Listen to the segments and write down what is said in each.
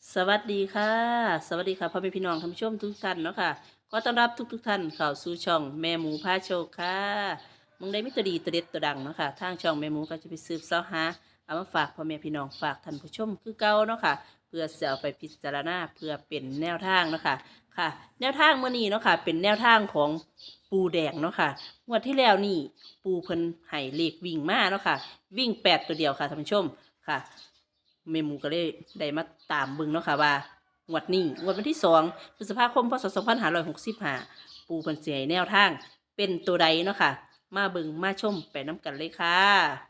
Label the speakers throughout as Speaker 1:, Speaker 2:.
Speaker 1: สวัสดีค่ะสวัสดีค่ะพ่อแม่พี่น้องท่านผู้ชมทุกท่านเนาะค่ะขอต้อนรับทุกท่านเข้าสู่ช่องแม่หมูพาโชคค่ะมึงได้มิตรดีตัวเด็ดตัวดังเนาะค่ะทางช่องแม่หมูก็จะไปสืบเสาะหาเอามาฝากพ่อแม่พี่น้องฝากท่านผู้ชมคือเก่าเนาะค่ะเพื่อจะเอาไปพิจารณาเพื่อเป็นแนวทางเนาะค่ะค่ะแนวทางเมื่อนี้เนาะค่ะเป็นแนวทางของปูแดงเนาะค่ะงวดที่แล้วนี่ปูเพิ่นให้เลขวิ่งมาเนาะค่ะวิ่ง8ตัวเดียวค่ะท่านผู้ชมค่ะ เมหมูก็เลยได้มาตามเบิ่งเนาะค่ะว่างวดนี้งวดวันที่2 พฤษภาคมพศ2565ปูเพิ่นสิให้แนวทางเป็นตัวใดเนาะค่ะมาเบิ่งมาชมไปน้ำกันเลยค่ะ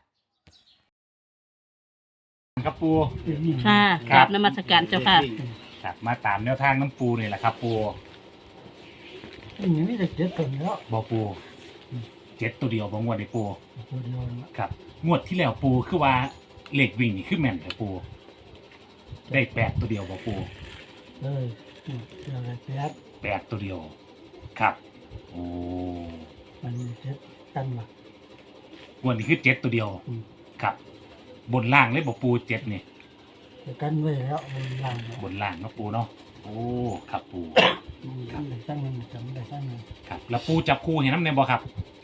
Speaker 2: ครับปู
Speaker 1: ค่ะกราบนมัสการเจ้าค่ะ
Speaker 2: ครับมาตามแนวทางน้ำปูนี่แหละครับปู
Speaker 3: อันนี้มีแต่เจ็ดตัวเนาะ
Speaker 2: บอปูเจ็ดตัวเดียวบองวดในปู
Speaker 3: ตัวเดียวนะครับ
Speaker 2: งวดที่แล้วปูคือว่าเลขวิ่งนี่คือแม่นแต่ปูได้8ตัวเดียวบอปู
Speaker 3: เลยเจออะไรแปด
Speaker 2: 8ตัวเดียวครับโอ้
Speaker 3: มันมีเจ็ดกันมาง
Speaker 2: วดนี้คือ7ตัวเดียวครับบนล่างเลยบอปู7นี่
Speaker 3: แต่กันไว้แล้วมันลัง
Speaker 2: บนล่างเนาะปูเนาะโอ้ครับปู
Speaker 3: มันได้สั้นหนึ่งจำได้สั้นหนึ่ง
Speaker 2: ครับแล้วปูจับคู่เห็นน้ำในบอครับ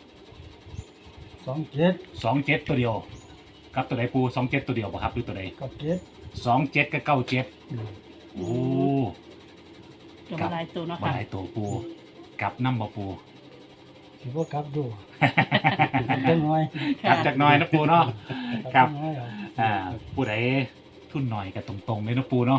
Speaker 3: 27
Speaker 2: 27ตัวเดียวครับตัวใดปู27ตัวเดียวบอครับหรือตัวใด
Speaker 3: กับเจ็ด
Speaker 2: 27กับ97โอ้
Speaker 1: จะมาลายตัวเนาะ
Speaker 2: มา
Speaker 1: ค่ะ
Speaker 2: หลายตัวปูกลับน้ำบ่ปู
Speaker 3: ถือว่ากลับดูเล็กน้อย
Speaker 2: กลับจากหน้อยนะปูเนาะ ครับ
Speaker 3: น้อยเหรอ
Speaker 2: ผู้ใดทุนหน่อยกับตรงๆเลยนะปูเนาะ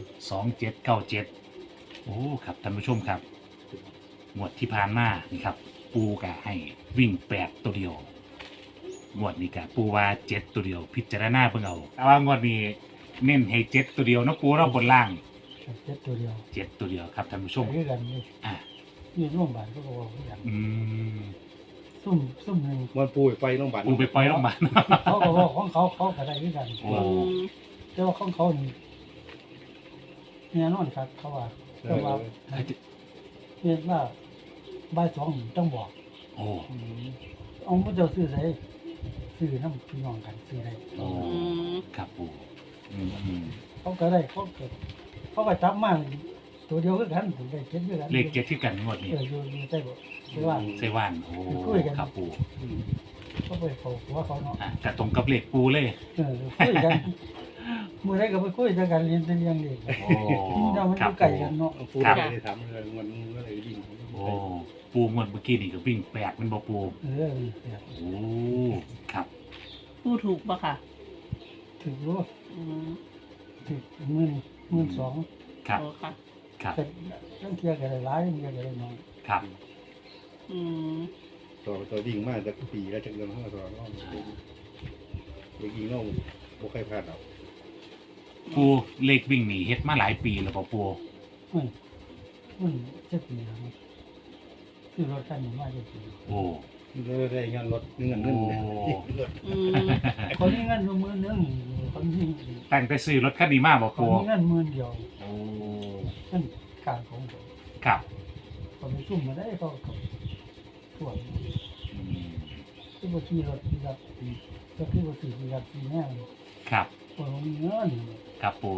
Speaker 2: 2797โอ้ครับท่านผู้ชมครับงวดที่ผ่านมานี่ครับ ปูกะให้วิ่ง8ตัวเดียวงวดนี้กะปูว่า7ตัวเดียว พิจารณาเพิ่งเอาแต่ว่างวดนี้เน้นให้7ตัวเดียวนะปูเนาะบนล่าง
Speaker 3: กับเจ็ดตัวเดียว
Speaker 2: 7ตัวเดียวครับท่านผู้ชม
Speaker 3: คือกันนี่
Speaker 2: อ่า
Speaker 3: นี่ร่วมบาทก็บอกคือกัน
Speaker 2: ม
Speaker 3: ซุ่มหนึ่ง
Speaker 4: มันปูไปโรงพยาบาล
Speaker 2: ปูไปปล่อยลงมาล
Speaker 3: เขาก็บอกของเขาก็ได้คือกัน
Speaker 2: โอ้
Speaker 3: แต่ว่าของเขานี่แน่นอนครับเขาว่าแต่ว่าเรียกว่าบ่ายสองต้องบอก
Speaker 2: โอ้
Speaker 3: เอาพระเจ้าซื้อใส่ซื้อน้ำพี่น้องกันซื้อได้
Speaker 2: โอ้ครับปู
Speaker 3: เขาก็ได้เขาก็จับมาตัวเดียวก็กันถึงได้เจ็ดด้วยกัน
Speaker 2: เลข7ที่กันงวดนี้
Speaker 3: อยู่ใต้บ่ใช่ว่า
Speaker 2: ไซว่านโอ้ครับปู
Speaker 3: เขาไปเขาหัวเขาเนาะ
Speaker 2: กระตรงกับเลขปูเลย
Speaker 3: คุยกันมื้อใดก็ไปคุยกันเรียนเป็นอย่างเดียว
Speaker 2: โอ้
Speaker 3: เรามันอ
Speaker 2: ครับ
Speaker 3: ยู่ไกลกันเนาะ
Speaker 4: ปูไม่ได้ทำเลยมันก็เลยยิง
Speaker 2: โอ้ปูงวดเมื่อกี้นี่ก็วิ่ง8มันบ่ปู
Speaker 3: เนี่ย
Speaker 2: โอ้ครับ
Speaker 1: ผู้ถูกปะค่ะ
Speaker 3: ถึงรู้
Speaker 1: อืม
Speaker 3: ถึง12,000
Speaker 2: ครับ
Speaker 1: โอ้ค่ะ
Speaker 2: ครับ
Speaker 3: แต่ต้องเที่ยวกันหลายเที่ยวกันน้อย
Speaker 2: ครับ
Speaker 1: อืม
Speaker 4: ตัวยิงมากจากปีแล้วจากเดือนห้าตัวน้องเด็กยิงน้องบุกใครพลาดเอา
Speaker 2: ปูเลขวิ่งนี่เฮ็ดมาหลายปีแล้วบ่ปู
Speaker 3: มันจะปีแล้วซื้อรถคันนี้มาจะปี
Speaker 2: โอ้
Speaker 4: ได้งานรถเงินรถ
Speaker 1: อืม
Speaker 3: คนนี้เงินมือนึงคนนี้
Speaker 2: ตั้งแต่ซื้อรถคันนี้มาบ่
Speaker 3: คน
Speaker 2: ปู
Speaker 3: นี้เงิน10,000เดียว
Speaker 2: โอ้
Speaker 3: เงินการของผม
Speaker 2: ครับ
Speaker 3: เขาไปซุ่มมาได้เขาก็ถ่วง
Speaker 2: อืม
Speaker 3: ที่บ่ขี่รถที่รับปีก็คือบ่ซื้อที่รับปีแน่
Speaker 2: ครับ
Speaker 3: คนมีเงิน
Speaker 2: ครับปู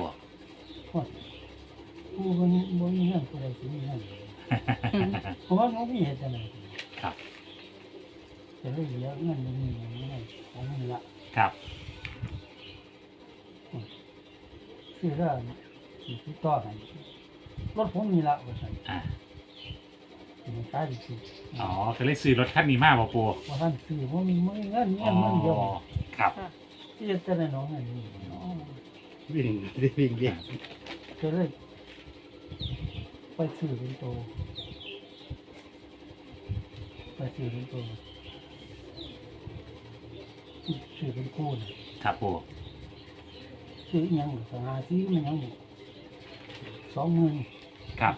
Speaker 3: ผู้คนบ่มีเงินผู้ใดสิมีเงินเพราะว่ามันมีเหตุจังได๋
Speaker 2: ครับ
Speaker 3: แต่เลยเหลือเงินมันมีอย่างนี้ของมันละ
Speaker 2: ครับ
Speaker 3: ซื้อแล้วสิติดต่อให้รถผมมีละว่าซั่น
Speaker 2: อ่า
Speaker 3: มันขายได้สิ
Speaker 2: อ๋อก็เลยซื้อรถคันนี้มาบ่ปู
Speaker 3: ว่าท่านซื้อบ่มีเงินเงิน
Speaker 2: อ๋อ
Speaker 3: มันเดียว
Speaker 2: ครับ
Speaker 3: ที่จะได้น้องอันนี้เนาะ
Speaker 4: วิ่งวิ่ง
Speaker 3: ก็เลยไปซื้อเป็นโตไปซื้อเป็นโตซื้อเป็นคู่น่ะ
Speaker 2: ครับปู
Speaker 3: ซื้ออิหยังก็หาซื้อมันหยังบ่20,000
Speaker 2: ครับ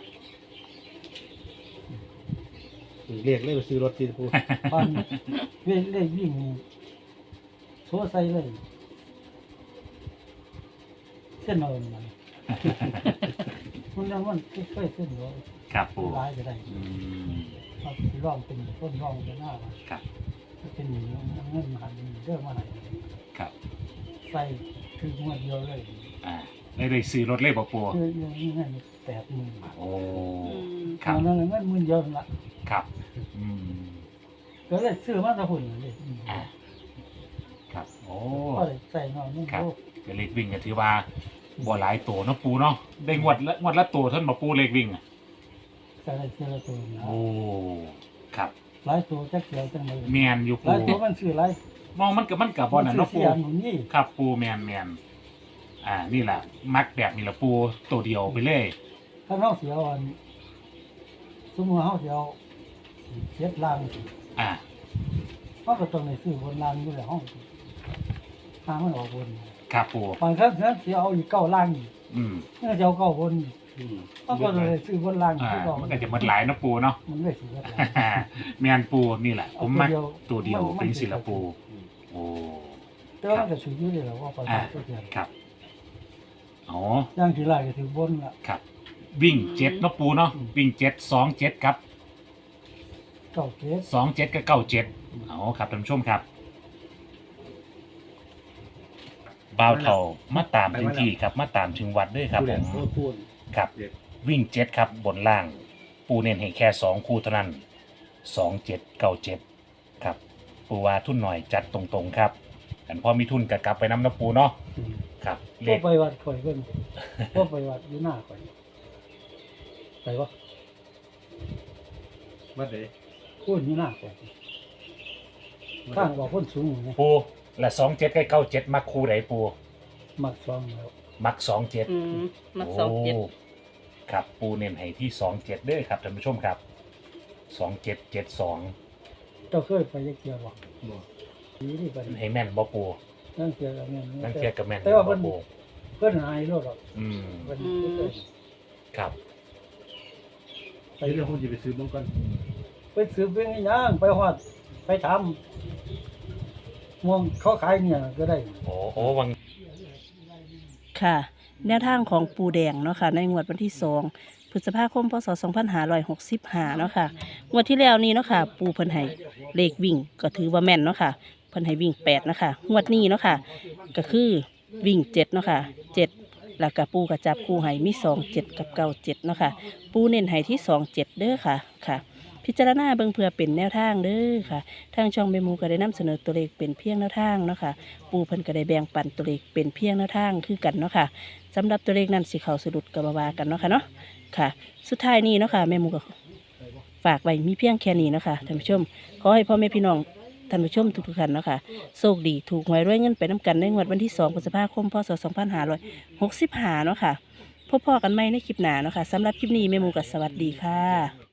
Speaker 4: เรียกเลยไปซื้อรถที่ปู
Speaker 3: พันเว้นเลยวิ่งนี่โซใส่เลยเส้นนอนมันมันแล้วมันค่อยๆเส้นน้อย
Speaker 2: ครับปู
Speaker 3: ร้ายก็ได้
Speaker 2: อืม
Speaker 3: เอาสิร้องเป็นต้นร้องเป็นหน้าว่า
Speaker 2: ครับ
Speaker 3: ถ้าเป็นเงินมาหันเรื่องมาไหน
Speaker 2: ครับ
Speaker 3: ใส่คือหัวเดียวเลย
Speaker 2: อ่าได้ซื้อรถเลยบ่ปู
Speaker 3: คืออย่างนี้เงิน80,000 บาท
Speaker 2: โอ้
Speaker 1: อืม
Speaker 2: ครับ
Speaker 3: ตอนนั้นเงิน10,000เดียวนั่นละ
Speaker 2: ครับอืม
Speaker 3: ก็เลยซื้อมาแตะหุ่นเลย
Speaker 2: อ่าครับโอ้
Speaker 3: ก็เลยใส่หน่อยนึง
Speaker 2: ครับ
Speaker 3: โอ้
Speaker 2: ก็เลขวิ่งก็ถือว่าบ่หลายตัวเนาะปูเนาะได้งวดละตัวเท่านบ่ปูเลขวิ่งอ่ะ
Speaker 3: ใส่ได้เสียละตัวนะ
Speaker 2: โอ้ครับ
Speaker 3: หลายตัวจักเสียวจังเลย
Speaker 2: แมนอยู่
Speaker 3: ห
Speaker 2: ปู
Speaker 3: ลายตัวมันซื้อหลาย
Speaker 2: มองมันกับบ่นั่นเนาะ
Speaker 3: ซื้
Speaker 2: ปู
Speaker 3: ออันนี้
Speaker 2: ครับปูแมนนี่แหละมักแบบนี้ละปูตัวเดียวไปเลย
Speaker 3: ถ้าเฮาเสียวอันสมมุติเฮาเสียวเจ็ดล้าน
Speaker 2: อ่า
Speaker 3: เฮาก็ต้องได้ซื้อบนล้านอยู่แล้วเฮาทางมันออกบน
Speaker 2: ครับปู
Speaker 3: บางครั้งเสียเอาอีก9ล้านอีก
Speaker 2: อืม
Speaker 3: เมื่อเสียว9บนเฮาก็เลยซื้อบนล้าน
Speaker 2: อ่า
Speaker 3: คือเก่า
Speaker 2: มันก็จะหมดหลายเนาะปูเนาะ
Speaker 3: มันเลยซื้อหลาย
Speaker 2: แมนปูนี่แหละ ผมมัก
Speaker 3: เอา
Speaker 2: ตัวเดียว
Speaker 3: มัน
Speaker 2: เป็นศิลปูโอ้
Speaker 3: แต่ว่ามันก็ซื้ออยู่เลยแหละว่าประมาณตัวเดียว
Speaker 2: ครับอ๋อ
Speaker 3: อย่างที่ไรก็ถือบนละ
Speaker 2: ครับ วิ่งเจ็ดเนาะปูเนาะวิ่งเจ็ด2 7ครับ
Speaker 3: เก้าเจ็ด
Speaker 2: 2 7กับ9 7อ๋อครับท่านผู้ชมครับบ่าวเท่ามาตามถึงที่ครับมาตามถึงวัดด้วยครับผม
Speaker 4: พูด
Speaker 2: ครับ
Speaker 4: เจ็ด
Speaker 2: วิ่ง7ครับบนล่าง ปูเน้นให้แค่2คู่เท่านั้น2 7 9 7ครับปูว่าทุนหน่อยจัดตรงๆครับกันพอมีทุนก็กลับไปน้ำน้ำปูเนาะครับเล
Speaker 3: พ่อ
Speaker 2: ข
Speaker 3: ไปวัดข่อยเพิ่นพ่อไปวัดอยู่หน้าข่อยไปวะ
Speaker 4: วัดไหน
Speaker 3: พูดอยู่หน้าข่อยข้างว่าพ้นสูงไง
Speaker 2: ปูและ2 7กับ9 7มักคู่ไหนปู
Speaker 3: มักซองแล้ว
Speaker 2: มัก2 7
Speaker 1: อืมมักสองเจ็ด
Speaker 2: ครับปูเน้นให้ที่2 7เด้อครับท่านผู้ชมครับ2 7 7 2
Speaker 3: เจ้าเคยไปยักเกียบ่
Speaker 4: บอก
Speaker 3: ดีนี่ไป
Speaker 2: ให้แม่นบ่ปู
Speaker 3: นั่งเกียกับแม่น
Speaker 2: นั่นเทียบกับแม่น
Speaker 3: แต่ว่า
Speaker 2: บ่
Speaker 3: เพิ่น
Speaker 2: ปู
Speaker 3: เพิ่นหายรถหรอก
Speaker 2: อืม
Speaker 3: เพิ่นเคย
Speaker 2: ครับ
Speaker 3: ไป
Speaker 4: ไปเรื่องคนจะไปซื้อบ้างก่อน
Speaker 3: ไปซื้อเป็นย่างไปฮอดไปถามมองเขาขายเนี่ยก็ได้
Speaker 2: โอ้วัง
Speaker 1: ค่ะ แนวทางของปูแดงเนาะค่ะในงวดวันที่2พฤษภาคมพศ2565เนาะค่ะงวดที่แล้วนี้เนาะค่ะปูเพิ่นให้เลขวิ่งก็ถือว่าแม่นเนาะค่ะเพิ่นให้วิ่ง8เนาะค่ะงวดนี้เนาะค่ะก็คือวิ่ง7เนาะค่ะ7แล้วก็ปูก็จับคู่ให้มี2 7กับ9 7เนาะค่ะปูเน้นให้ที่2 7เด้อค่ะค่ะ พิจารณาเบิ่งเพื่อเป็นแนวทางเด้อค่ะทางช่องเมมูก็ได้นำเสนอตัวเลขเป็นเพียงแนวทางเนาะค่ะปูเพิ่นก็ได้แบ่งปันตัวเลขเป็นเพียงแนวทางคือกันเนาะค่ะสำหรับตัวเลขนั้นสิเข้าสะดุดกับบาวากันเนาะค่ะเนาะค่ะ สุดท้ายนี้เนาะค่ะแม่หมูก็ฝากไว้มีเพียงแค่นี้เนาะค่ะท่านผู้ชมขอให้พ่อแม่พี่น้องท่านผู้ชมทุกๆท่านเนาะค่ะโชคดีถูกหวยรวยเงินไปน้ำกันในงวดวันที่2พฤษภาคมพศ2565เนาะค่ะพบพ่อกันใหม่ในคลิปหน้าเนาะค่ะสำหรับคลิปนี้แม่หมูก็สวัสดีค่ะ